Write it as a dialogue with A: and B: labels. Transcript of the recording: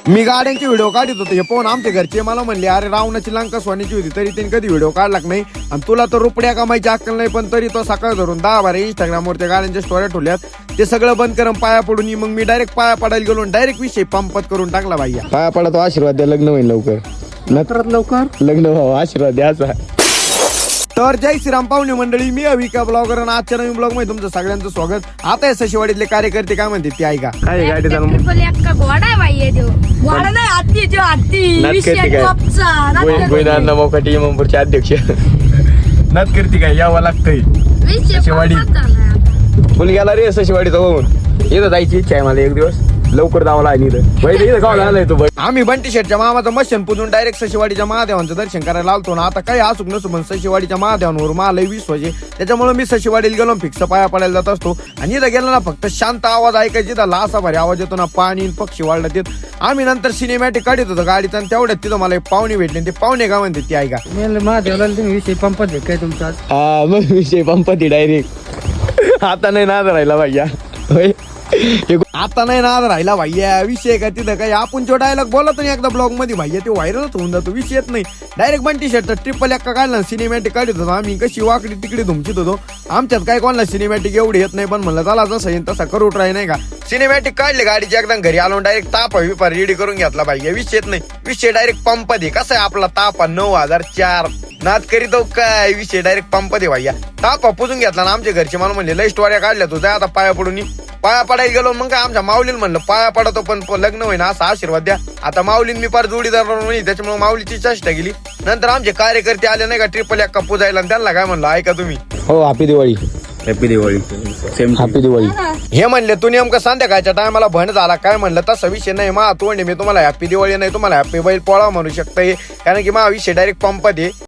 A: मी गाड्यांचे व्हिडिओ काढत होतो हे पाहून आमच्या घरचे मला म्हणले अरे रावणाची लंका सोन्याची होती तरी त्यांनी कधी व्हिडिओ काढला नाही आणि तुला तर रुपड्या कमायची अक्कल नाही पण तरी तो सकाळ धरून 10-12 इंस्टाग्रामवर त्या गाड्यांच्या स्टोऱ्या ठेवल्यात ते सगळं बंद करून पाया पडून मग मी डायरेक्ट पाया पडायला गेलो डायरेक्ट विषय पंपत करून टाकला भाईया
B: पाया पडा तो आशीर्वाद द्या लग्न होईल लवकर लग्न व्हावं आशीर्वाद द्यायचा.
A: तर जय श्रीराम पाहुणे मंडळी मी अविका ब्लॉगर आणि आजच्या नवीन ब्लॉग मध्ये तुमचं सगळ्यांचं स्वागत. आता हे सशिवाडीतले कार्यकर्ते काय म्हणते ते ऐका.
B: काय गाडी चालू
C: घोडा आहे भाई आहे घोडा नाही हत्ती जो हत्ती
B: गोविंदांना मोकाटी इमामपूरचे अध्यक्ष नात करते काय यावं लागतंय सशिवाडी फुल गेला रे सशिवाडीचा होऊन इथं जायची इच्छा आहे मला एक दिवस लवकर जावं लागेल इथं गाव आलाय तू
A: आम्ही बंटी शेटच्या मामाचं मशन पुजून डायरेक्ट सशिवाडीच्या महादेवांचं दर्शन करायला आलतो ना. आता काही असुक नसू पण सशिवाडीच्या महादेवांवर मला विश्वास त्याच्यामुळे मी सशिवाडीला गेलो फिक्स पाया पडायला जात असतो आणि इथं गेलो ना फक्त शांत आवाज ऐकायची तर लासा भारी आवाज येतो ना पाणी पक्षी वाढला येत. आम्ही नंतर सिनेमॅटिक काढत होतो गाडीचं आणि तेवढ्यात तिथं मला एक पाहुणे भेटले ते पाहुणे का म्हणते ते ऐका.
C: महादेवला तुम्ही विषय पंपत काय तुमचा
B: हा मग विषय पंपती डायरेक्ट आता नाही नाद राहिला भैया होय
A: आता नाही ना राहिला भाईया विषय का तिथं काही आपण जो डायलॉग बोलतो ना एकदा ब्लॉग मध्ये भाईया ते व्हायरलच होऊन जातो विषय येत नाही. डायरेक्ट बंटी शर्ट ट्रिपल एक्का काढला सिनेमॅटिक काढत होतो आम्ही कशी वाकडी तिकडे धुमचित होतो. आमच्यात काय कोणाला सिनेमॅटिक एवढी येत नाही पण म्हणलं चला जसं येईल तसा करू ट्राय नाही का. सिनेमॅटिक काढले गाडीची एकदम घरी आलो डायरेक्ट तापा विपा रेडी करून घेतला भाईया विषय येत नाही. विषय डायरेक्ट पंप दे कसा आहे आपला तापा 9004 नाद करीत काय विषय डायरेक्ट पंप दे भाईया तापा पुजून घेतला ना. आमच्या घरचे मला म्हणले लई स्टोऱ्या काढल्या तुझ्या आता पाया पडून पाया पडायला गेलो मग काय आमच्या माऊलीला म्हणलं पाया पडतो पण लग्न होईना असा आशीर्वाद द्या. आता माऊलीन मी पार जोडीदार नाही त्याच्यामुळे माऊलीची चेष्टा केली. नंतर आमचे कार्यकर्ते आले नाही का ट्रिपल एक्का पुजायला त्यांना काय म्हणलं ऐका तुम्ही
B: हो happy Diwali same happy Diwali
A: हे म्हणले तू नेमकं संध्याकाळच्या टायमाला भण झाला काय म्हणलं तसा विषय नाही मा तोंडे मी तुम्हाला हॅपी दिवाळी नाही तुम्हाला हॅपी बैल पोळा म्हणू शकता कारण की मा विषय डायरेक्ट पंप दे